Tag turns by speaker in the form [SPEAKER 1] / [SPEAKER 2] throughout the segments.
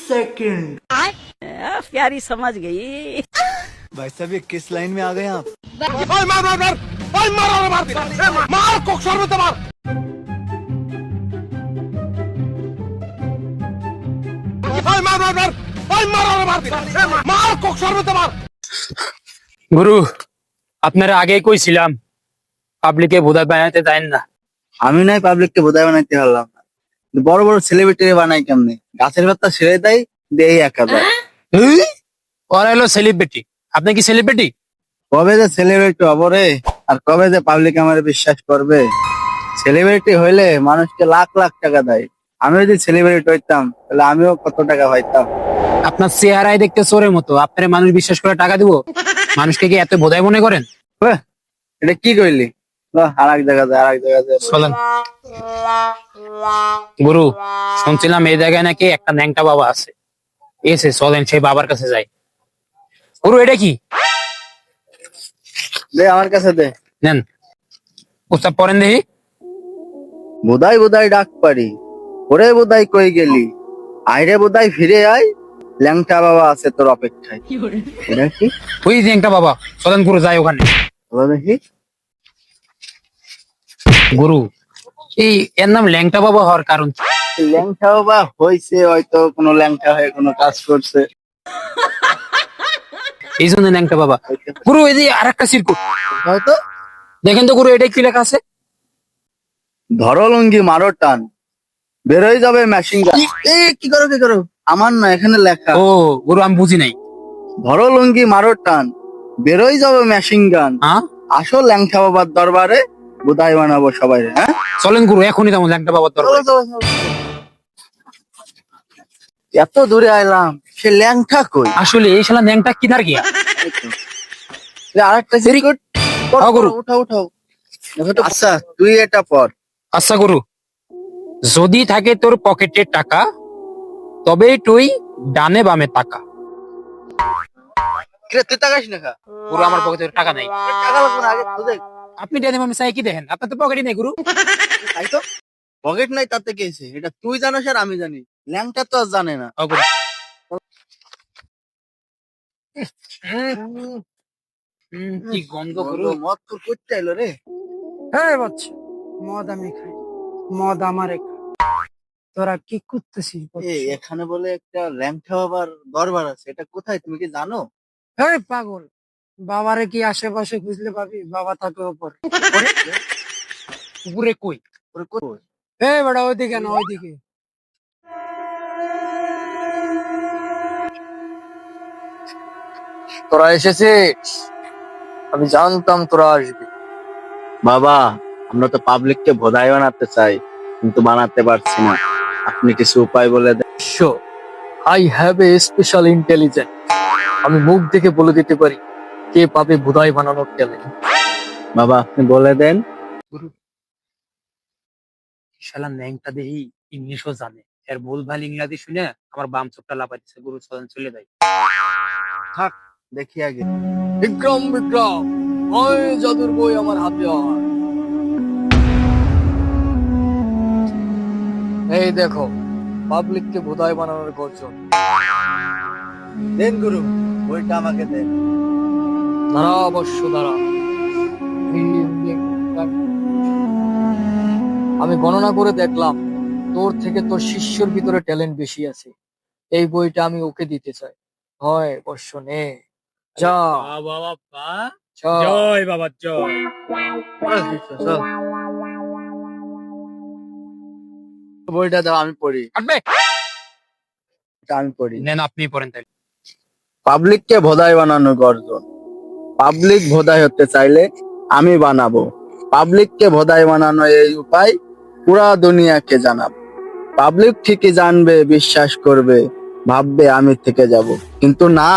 [SPEAKER 1] Second.
[SPEAKER 2] प्यारी समझ गई।
[SPEAKER 1] भाई साहब ये किस लाइन में आ गए आप?
[SPEAKER 3] গুরু আপনারা আগেই কইছিলাম পাবলিকে বোধা বানাইতে দেন না।
[SPEAKER 4] আমি নাই পাবলিককে বোধাই বানাইতে পারলাম না, কিন্তু বড় বড় সেলিব্রিটি বানাই কেমনে? গাছের পাতা ছেড়ে দেয়, দেই একা দেয়।
[SPEAKER 3] ওরা হলো সেলিব্রিটি, আপনি কি সেলিব্রিটি?
[SPEAKER 4] কবে যে সেলিব্রিটি হবো রে, আর কবে যে পাবলিক আমার বিশ্বাস করবে? সেলিব্রিটি হইলে মানুষকে লাখ লাখ টাকা দেয়। আমি যদি সেলিব্রিটি হইতাম তাহলে আমিও কত টাকা পাইতাম।
[SPEAKER 3] আপনার চেহারায় দেখতে চোরের মতো, আপনার মানুষ বিশ্বাস করে টাকা দিব? মানুষকে কি এত বোধাই মনে করেন?
[SPEAKER 4] এটা কি কইলি? আর এক জায়গা যায়, আর এক জায়গা যায়।
[SPEAKER 3] চলেন গুরু, শুনছিলাম এই জায়গায় নাকি একটা ন্যাংটা বাবা আছে। এসে চলেন সেই বাবার কাছে যাই। গুরু এটা কি?
[SPEAKER 4] দে আমার কাছে দে।
[SPEAKER 3] নেন, প্রস্তাব পড়েন দেখি।
[SPEAKER 4] বোধাই বোধাই ডাক পারি, ওরে বোধাই কই গেলি, আইরে বোধাই ফিরে আয়, ল্যাংটা বাবা আছে তোর অপেক্ষায়। এটা কি?
[SPEAKER 3] ওই ন্যাংটা বাবা, চলেন গুরু যাই ওখানে।
[SPEAKER 4] বলো দেখি।
[SPEAKER 3] গুরু এই এর নাম ল্যাংটা বাবা হওয়ার কারণ কি?
[SPEAKER 4] ল্যাংটা বাবা হয়েছে হয়তো কোনো ল্যাংটা হয়ে কোনো কাজ করছে,
[SPEAKER 3] এই জন্য ল্যাংটা বাবা। গুরু এই যে আর একটা সিরকুট
[SPEAKER 4] হয়তো।
[SPEAKER 3] দেখেন তো গুরু, এটা কি লেখা আছে?
[SPEAKER 4] ধরো লুঙ্গি মারো টান, বেরোয় যাবে মেশিন গান। কি করো কি করো? আমার না, এখানে লেখা।
[SPEAKER 3] ও গুরু আমি বুঝি নাই।
[SPEAKER 4] ধরো লুঙ্গি মারো টান, বেরোয় যাবে মেশিন গান।
[SPEAKER 3] হ্যাঁ
[SPEAKER 4] আসো ল্যাংটা বাবার দরবারে, বোধাই বানাবো সবাই। হ্যাঁ
[SPEAKER 3] চলেন গুরু, এখনই তেমন ল্যাংটা বাবার দরকার।
[SPEAKER 4] এত দূরে আইলাম, সে ল্যাংটা কই?
[SPEAKER 3] আসলে এই শালা ন্যাংটা কিনার গিয়া।
[SPEAKER 4] আরেকটা সিরিকুট।
[SPEAKER 3] হ্যাঁ, গুরু।
[SPEAKER 4] উঠাও উঠাও। আচ্ছা তুই এটা পর।
[SPEAKER 3] আচ্ছা গুরু, যদি থাকে তোর পকেটে টাকা, তবে তুই ডানে বামে টাকা।
[SPEAKER 4] তুই তাকাস না খা।
[SPEAKER 3] গুরু আমার পকেটে টাকা নাই।
[SPEAKER 4] টাকা লাগবে না, আগে খুঁজে।
[SPEAKER 3] আপনি ডানে বামে চাই কি দেখেন? আপনার তো পকেটে নেই গুরু।
[SPEAKER 4] তাই তো, পকেট নাই তাতে কেছে, এটা তুই জানিস আর আমি জানি, ল্যাংটা তো আর জানে না।
[SPEAKER 3] ও গুরু। কি গন্ধ গুরু।
[SPEAKER 4] মদ তোর করতে এলো রে।
[SPEAKER 5] হ্যাঁ বাচ্চা, মদ আমি খাই, মদ আমারে খাই। তোরা কি করতেছিস?
[SPEAKER 4] এখানে বলে একটা ল্যাংটা বাবার দরবার আছে, এটা কোথায় তুমি কি জানো?
[SPEAKER 5] হ্যাঁ পাগল, বাবারে কি আশেপাশে খুঁজলে পাবি? বাবা থাকে ওপর।
[SPEAKER 3] উপরে কই?
[SPEAKER 4] ওরে কই?
[SPEAKER 5] হ্যাঁ বেটা, ওইদিকে না, ওইদিকে।
[SPEAKER 4] তোরা এসেছিস, আমি জানতাম তোরা আসবি। বাবা, আমরা তো পাবলিককে ভোদাই বানাতে চাই, কিন্তু বানাতে পারছি না। আপনি কিছু উপায় বলে দেন।
[SPEAKER 6] I have a special intelligence. আমি মুখ দেখে বলে দিতে পারি কে পাবে ভুদাই বানানোর ট্যালেন্ট।
[SPEAKER 4] বাবা আপনি বলে দেন।
[SPEAKER 3] শালা ন্যাংটা দেহি ইংলিশও জানে, এর ভুলভাল ইংরাজি শুনে আমার বাম চোখটা লাপাইছে। গুরু চলেন চলে যাই।
[SPEAKER 4] থাক দেখি আগে।
[SPEAKER 6] বিক্রম বিক্রম, ওই জাদুর বই আমার হাতে আয়। এই দেখো পাবলিককে ভুদাই বানানোর গর্জন।
[SPEAKER 4] দেন গুরু, বইটা আমাকে দেন।
[SPEAKER 6] দাঁড়া অবশ্য দাঁড়া। আমি গণনা করে দেখলাম তোর থেকে তোর শিষ্যর ভিতরে ট্যালেন্ট বেশি আছে। এই বইটা আমি ওকে দিতে চাই। হয় অবশ্য নে, যা যা।
[SPEAKER 3] জয় বাবা জয়।
[SPEAKER 4] চল। বইটা দাও, আমি পড়ি।
[SPEAKER 3] কাটবে?
[SPEAKER 4] এটা আমি পড়ি।
[SPEAKER 3] নেন আপনি পড়েন তাই।
[SPEAKER 4] পাবলিককে ভোদাই বানানোর গর্জন। পাবলিক ভোদাই হতে চাইলে আমি বানাবো। পাবলিককে ভোদাই বানানো এই উপায় পুরা দুনিয়াকে জানাবো। পাবলিক ঠিকই জানবে, বিশ্বাস করবে, ভাববে আমি থেকে যাব, কিন্তু না,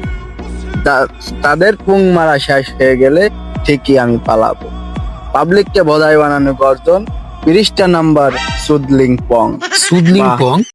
[SPEAKER 4] তাদের পুং মারা শেষ হয়ে গেলে ঠিকই আমি পালাবো। পাবলিককে ভোদাই বানানো গর্জন, 30টা নাম্বার সুদলিং পং।
[SPEAKER 3] সুদলিং পং?